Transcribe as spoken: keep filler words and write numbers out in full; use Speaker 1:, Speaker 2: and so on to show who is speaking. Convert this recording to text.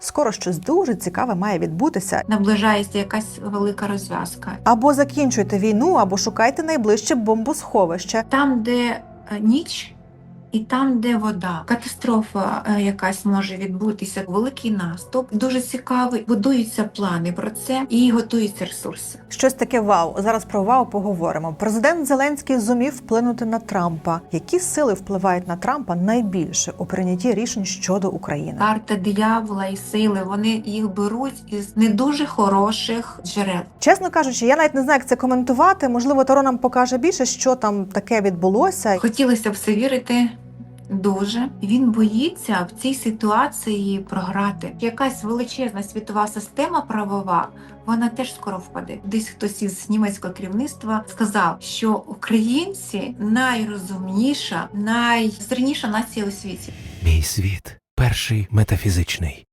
Speaker 1: скоро щось дуже цікаве має відбутися.
Speaker 2: Наближається якась велика розв'язка.
Speaker 1: Або закінчуйте війну, або шукайте найближче бомбосховище.
Speaker 2: Там, де е, ніч, і там, де вода. Катастрофа е, якась може відбутися, великий наступ. Дуже цікавий. Будуються плани про це і готуються ресурси.
Speaker 1: Щось таке вау. Зараз про вау поговоримо. Президент Зеленський зумів вплинути на Трампа. Які сили впливають на Трампа найбільше у прийнятті рішень щодо України?
Speaker 2: Карта диявола і сили, вони їх беруть із не дуже хороших джерел.
Speaker 1: Чесно кажучи, я навіть не знаю, як це коментувати. Можливо, Таро нам покаже більше, що там таке відбулося.
Speaker 2: Хотілося б все вірити. Дуже. Він боїться в цій ситуації програти. Якась величезна світова система правова, вона теж скоро впаде. Десь хтось із німецького керівництва сказав, що українці найрозумніша, найсильніша нація у світі.
Speaker 3: Мій світ перший метафізичний.